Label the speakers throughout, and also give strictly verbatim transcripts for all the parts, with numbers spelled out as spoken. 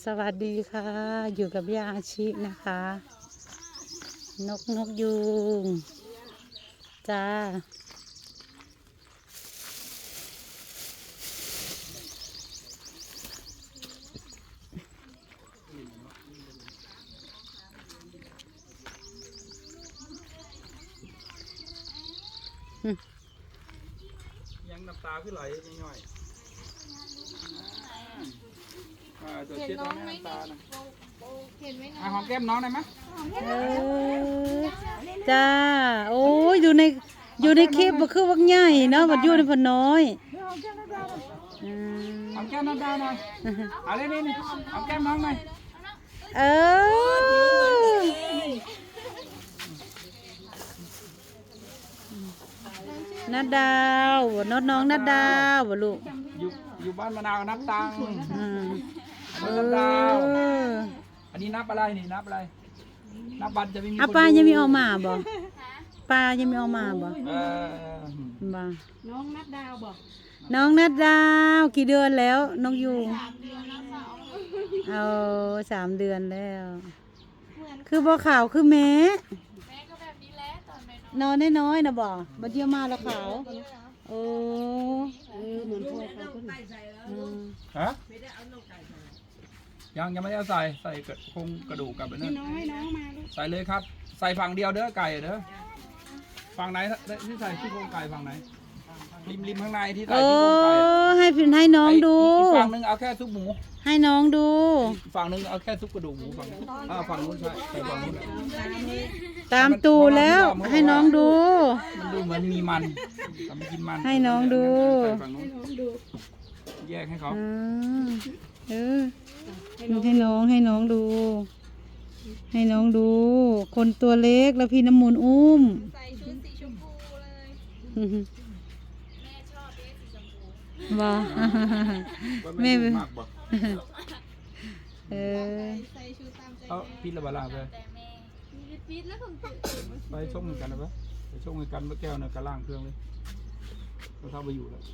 Speaker 1: สวัสดีค่ะ อยู่กับย่าอาชินะคะ นกนกยูงจ้า
Speaker 2: ยังน้ำตาขึ้นไหลย่อยๆอ่าเดี๋ยวเช็ดน้ำตานะเห็นไหมนะหอมแก้มน้องได้ไหม
Speaker 1: เออจ้าโอ้ยอยู่ในอยู่ในคลิปมันคือวักใหญ่เนาะมันอยู่ในพนน้อย
Speaker 2: หอมแก้มน้ำตาหน่อยเอาเลยนี่หอมแก้มน้องหน่อย
Speaker 1: เออนัดดาวน้องน้องนัดดาวบ่ลูก
Speaker 2: อยู่อยู่บ้านมะนาวนับตังค์อันนี้นับดาว อันนี้นับอะไรนี่นับอะไรนับบัตรจะไม่มี
Speaker 1: อ่ะป้ายังมีออกมาบ่ป้ายังมีออกมาบ่
Speaker 2: เออ
Speaker 1: บ่
Speaker 3: น้องนัดดาวบ่
Speaker 1: น้องนัดดาวกี่เดือนแล้วน้องยูเอาสามเดือนแล้วคือบ่ขาวคือแม่
Speaker 3: แม่ก็แบบนี้แหละตอนแม่
Speaker 1: นอนน้อยๆนะบ่บัดเดียวมาแล้วขาวโอ้
Speaker 3: เออเหมือนพวกเขาคน
Speaker 2: ฮะยังยังไม่ได้ใส่ใส่โครงกระดูกกับนั่น
Speaker 3: น้อยน้องมาลูก
Speaker 2: ใส่เลยครับใส่ฝั่งเดียวเด้อไก่เด้อฝั่งไหนที่ใส่ที่โครงไก่ฝั่งไหนริมริมข้างในที่ใส่ที่โครงไก่
Speaker 1: ให้พินให้น้องดู
Speaker 2: ฝั่งนึงเอาแค่ซุปหมู
Speaker 1: ให้น้องดู
Speaker 2: ฝั่งนึงเอาแค่ซุปกระดูกหมูฝั่งอ่าฝั่งนู้นใช่ใส่ฝั่งนู้น
Speaker 1: ตามตูแล้วให้น้องดู
Speaker 2: มันดูเหมือนมีมันทำกินมัน
Speaker 1: ให้น้องดู
Speaker 2: แยกให้เขา
Speaker 1: เออให้น้องให้น้องดูให้น้องดูคนตัวเล็กแล้วพี่น้ำมูลอุ้ม
Speaker 3: ใส่ชุดสีชมพูเลยแม่ชอบเด็กสีชมพู
Speaker 1: บ่แม่เออ
Speaker 3: ใส่ชุดตามใจ
Speaker 2: เอาพิษละบาลาไป
Speaker 3: พิษแล้วผม
Speaker 2: ไปช่องเหมือนกันนะปะไปช่องเหมือนกันเมื่อแก้วเนี่ยกระล่างเครื่องเลยเขาเข้าไปอยู่แล้ว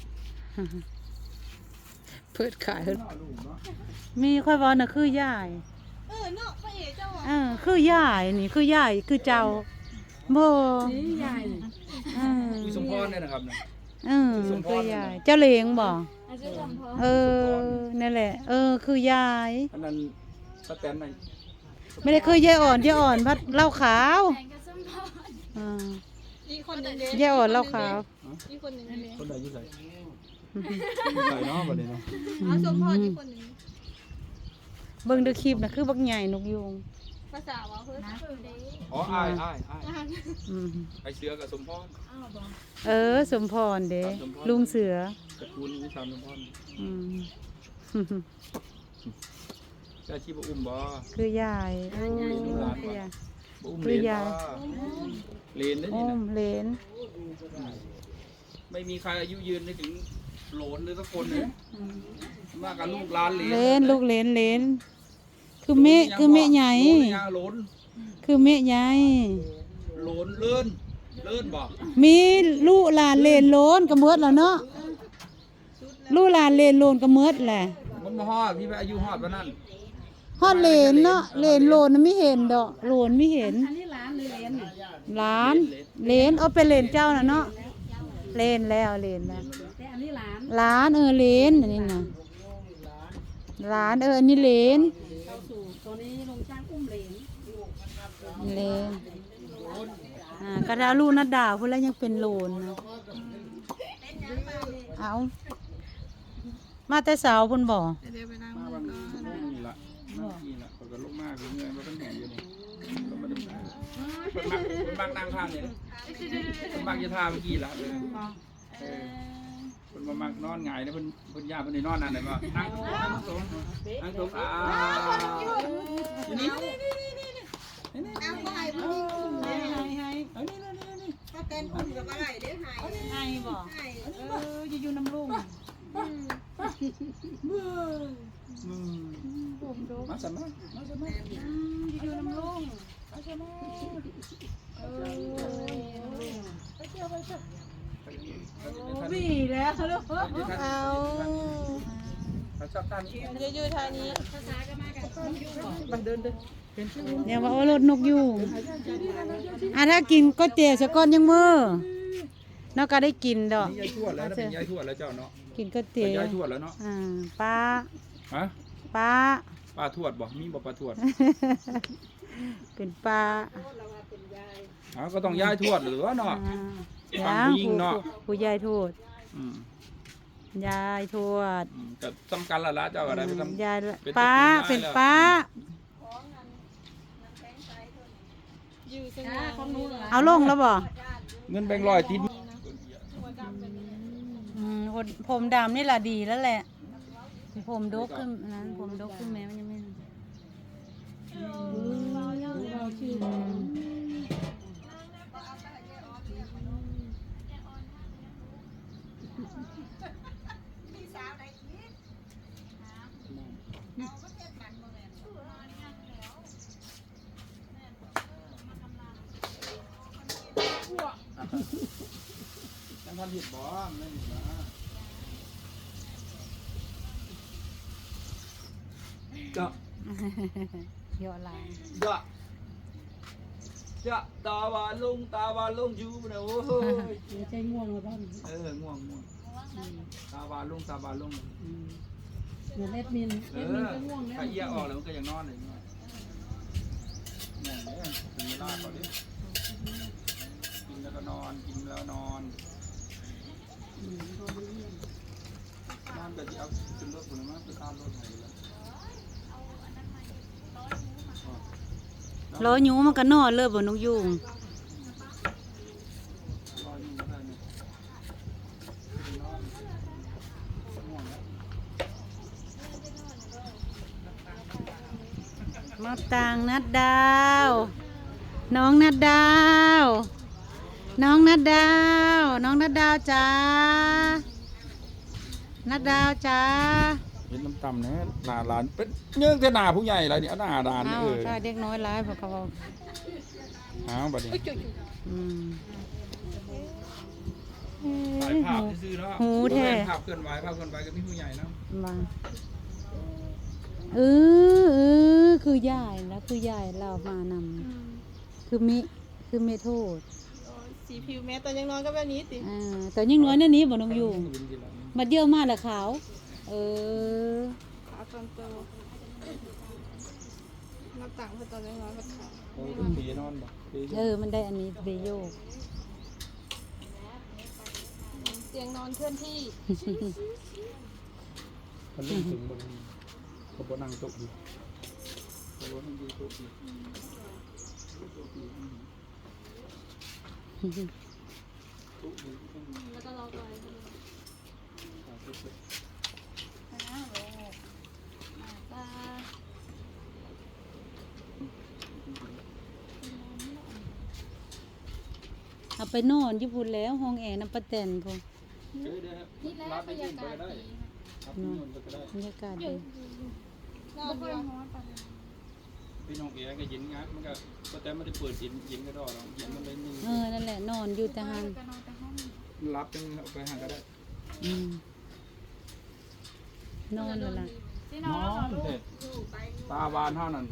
Speaker 1: เปิดขายมีค่อยบอกนะคือยาย
Speaker 3: เออเนาะพ่อเอ๋เจ้า
Speaker 1: เออคือยายนี่คือยายคือเจ้าบ่
Speaker 3: นี่ยาย
Speaker 1: เออ
Speaker 2: คุยสมพรเนี่ยนะครับ
Speaker 1: เออคือยายเจ้าเลี้ยงบ่เออนั่นแหละเออคือยาย
Speaker 2: อันนั้นสแตนไหน
Speaker 1: ไม่ได้คือยายอ่อนยายอ่อนพัดเหล้าขาวอ่า
Speaker 3: อีกคนนึง
Speaker 1: ยายอ่อนเหล้าขาว
Speaker 3: อีกคนนึง
Speaker 2: คนไหนยุ่งใส่ใส่เนาะแบบนี้เนาะ
Speaker 3: อ๋อสมพรอีกคนนึง
Speaker 1: เบิ่งดูคลิปนะคือบักใหญ่นกยูง
Speaker 3: ภาษาว่าเพิ่น
Speaker 2: อ๋ออ้ายอ้ายอ้ายไอเสือกับสมพร
Speaker 1: เออสมพรเด้ลุงเสือ
Speaker 2: ตระกูลวิชาสมพร
Speaker 1: อืม
Speaker 2: เจ้าชีบอุ้มบ่
Speaker 1: คือยายโอ้คือยาย
Speaker 2: คือยายเลนได้
Speaker 1: นี่นะเลน
Speaker 2: ไม่มีใครอายุยืนได้ถึงโหลนเลยสักคนเลยมากกับลูกหลานเลน
Speaker 1: เลนลูกเลนเลนคือเมฆคือเมฆใหญ่
Speaker 2: โหลน
Speaker 1: คือเมฆใหญ่
Speaker 2: โหลนเลื่อนเลื่อนบ่
Speaker 1: มีลูกหลานเลนโลนกระเมิดแล้วเนาะลูกหลานเลนโลนกระเมิดแหละ
Speaker 2: มันมาฮอดพี่ไปอายุฮอดปะนั่น
Speaker 1: ฮอดเลนเนาะเลนโลนไม่เห็นดอกโลนไม่เห็น
Speaker 3: อันนี้ร้านหรือเลน
Speaker 1: ร้านเลนเอาเป็นเลนเจ้าน่ะเนาะเลนแล้วเลนแล้ว
Speaker 3: แต่อันนี้ร้าน
Speaker 1: ร้านเออเลนอันนี้นะร้านเอออันนี้เลน
Speaker 3: เข้าสู่ตัวนี้ลงช่างอุ้มเลน
Speaker 1: เลนอ่ากระดาลูกนัดดาวพูดแล้วยังเป็นโลนนะเอามาแต่สาวพุ่นบ่
Speaker 3: เดี๋ยวไปนั่งก่อน
Speaker 2: นี่ละนี่ละเขาก็ลงมากเลยเงยมาตั้งแต่อยู่นี่ก็มาดึงคนมักคนมักนั่งข้างนี่คนมักจะท่าเมื่อกี้ละเลยคนมามักนอนหงายนะเพิ่นเพิ่นย่าเพิ่นได้นอนนั่นได้บ่นั่งนั่งสมนั่งสมอ่านี่นี่
Speaker 3: เอาไปให้ให้ให้
Speaker 2: เอานี่นี่นี่
Speaker 3: ถ้าเต้นอุ่นกับอะไรเด้อให้
Speaker 1: ให้บ่เอออยู่อยู่น้ำลุง
Speaker 2: มาสัมมามาสัมมา
Speaker 1: อยู่น้ำลุงมาสัมมาเออไปเที่ยวไปเที่ยว
Speaker 2: วี่แล้วลูก
Speaker 1: เอา
Speaker 2: ไปเขาชอบท่านี้
Speaker 3: เยอะอยู่ทางนี้
Speaker 1: เดี๋ยวว่าเอารถนกยูงอ่ะถ้ากินก๋วยเตี๋ยวสะก้อนยังมือเนาะก็ได้กินดอก
Speaker 2: นี่ยายทวดแล้วนะเป็นยายทวดแล้วเจ้าเนาะ
Speaker 1: กินก๋วย
Speaker 2: เป็
Speaker 1: เตี๋
Speaker 2: น
Speaker 1: ยวย
Speaker 2: ายทวดแล้วเนาะ
Speaker 1: อ่าป้า
Speaker 2: ฮะ
Speaker 1: ป้า
Speaker 2: ป้าทวดบ่มีบ่ป้าทวด
Speaker 1: เป็นป้า
Speaker 2: อ๋อก็ต้องยายทวดหรือว่าเนาะ
Speaker 1: อ่า
Speaker 2: ฟังผู้หญิงเนาะ
Speaker 1: ผู้ยายโทษ
Speaker 2: อืม
Speaker 1: ยายทวด
Speaker 2: อืมก็สำคัญละละเจ้าอะไรไปทำ
Speaker 1: ยาย
Speaker 2: เป็น
Speaker 1: ป้า
Speaker 2: เป็
Speaker 1: เป็น
Speaker 2: น
Speaker 1: ป้า
Speaker 3: อยู่สงบของหนูเหรอ
Speaker 1: เอาลงแล้วบ่
Speaker 2: เงินแบงค์ร้อยติด
Speaker 1: อืมคนผมดำนี่แหละดีแล้วแหละ ผมดกขึ้นอันนั้นผมดกขึ้นแม้มันยังไม่อืม
Speaker 2: ยังทำผิดบ่ไม่ผิดนะจะ
Speaker 1: เยอะหลาย
Speaker 2: จะจะตาหวานลุงตาหวานลุงอยู่นะโอ้ย
Speaker 1: ไม่ใช่ง่วงหรือเปล่า
Speaker 2: เออง่วงง่วงตาหวานลุงตาหวานลุง
Speaker 1: เหมือนเล็ดมิน
Speaker 2: เออถ้าเอี้ยออกแล้วมันก็ยังนอนเลยง่วงเนี่ยถึงเวลาก่อนดิกินแล้วก็นอนกินแล้วนอนนอนแบบที่เอาขึ้นรถคนนั้นไปข้ามรถไหนแล้ว
Speaker 1: รอหยูมันก็นอนเลยบ่นกยูง
Speaker 2: รออยู่ไม่ได้เนี่ยนอนง่วงแล้ว
Speaker 1: มาต่างนัดดาว น้องนัดดาว น้องนัดดาว น้องนัดดาวจ้านัดดาวจ้า
Speaker 2: เห็นน้ำต่ำเนี่ยหนาหลานเป็นเยื่อแต่หนาผู้ใหญ่อะไรเนี่ยหนาหลานนี่
Speaker 1: เอ้า
Speaker 2: เออ
Speaker 1: ถ้าเด็กน้อยร้ายพวกเขาบอก
Speaker 2: อ้าวบัดนี้
Speaker 1: อืม
Speaker 2: ถ่ายภาพซื้อๆเนาะ
Speaker 1: หูแท้
Speaker 2: ภาพเคลื่อนไหวภาพเคลื่อนไหวกับพี่ผู้ใหญ่เนาะ
Speaker 1: มาเออเออคือยายแล้วคือยายเรามานำคือมิคือเมโทษ
Speaker 3: สีผิวแม่ตอนยังนอนก็แบบนี้ติ
Speaker 1: อ่าแต่ยิ่งน้อยนั่นนี้บ่น้องอยู่
Speaker 2: วินดีแล้ว
Speaker 1: มาเยอะมากละขาว เออ
Speaker 3: ขาตอนโตนับต่างเพื่อตอนยังนอนก็ขา
Speaker 2: โอ้ยปีนอนบ่ปี
Speaker 1: เออ มันได้อันนี้เบโยก
Speaker 3: เตียงนอนเคลื่อนที่
Speaker 2: มันลุ่มถึงบนเขาบ่นั่งโต๊ะอยู่เขาบ่นั่งอยู่โต๊ะอยู่โต๊ะอยู่โต๊ะอยู่
Speaker 3: แล้วก็รอไป
Speaker 1: เอาไปนอนญี่ปุ่นแล้วห้องแอร์น้ำปะแตนพง
Speaker 2: เดี๋ยวเดี๋ยว
Speaker 3: นี่แหละ
Speaker 2: รับบ
Speaker 3: รร
Speaker 2: ไป
Speaker 3: ยา
Speaker 2: ยืนไป
Speaker 3: กาศ
Speaker 2: ก็ได้
Speaker 3: ดี
Speaker 2: รับที่นู่นไปก็ได้
Speaker 1: บรรยากาศดี
Speaker 3: นอนเดียว
Speaker 2: พี่น้องเอ๋ก็เย็นงักมันก็ก็แต่ไม่ได้เปิดเย็นเย็นก็ดอกหรอกเย็นมันเลยนี่
Speaker 1: เออ นั่นแหละ นอนอยู่แต่หัน
Speaker 3: ก็นอนแต่ห้อง
Speaker 2: รับจังเอาไปหาก็ได้
Speaker 1: อืมนอนแล้วล่ะ
Speaker 3: ที่น
Speaker 2: น
Speaker 3: อ
Speaker 2: อน นเด็ดตาบานเท่านั้น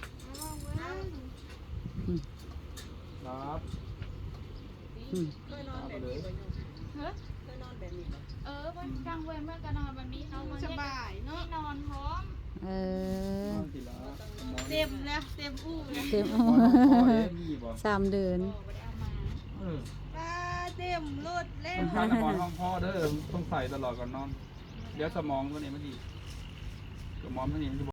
Speaker 1: อืม
Speaker 2: รับ
Speaker 1: อืม
Speaker 2: ตาไปเลย
Speaker 3: เฮ้ยเออวันกลางวันเมื่อก็นอนแบบนี้นอนสบายเนาะนอนพร้อม
Speaker 1: เออน
Speaker 2: อนทีละนอน
Speaker 3: เต็มแล้วเต็มอู้เลย
Speaker 1: เต็ม
Speaker 2: นอนพ่อเอ๋ยี่บ่
Speaker 1: สามเดือน
Speaker 2: เออ
Speaker 3: ปลาเต็มรถเล่ม
Speaker 2: สำคัญนอนห้องพ่อเด้อต้องใส่ตลอดก่อนนอน เดี๋ยวสมองตัวนี้มันดีสมองตัวนี้มันจะ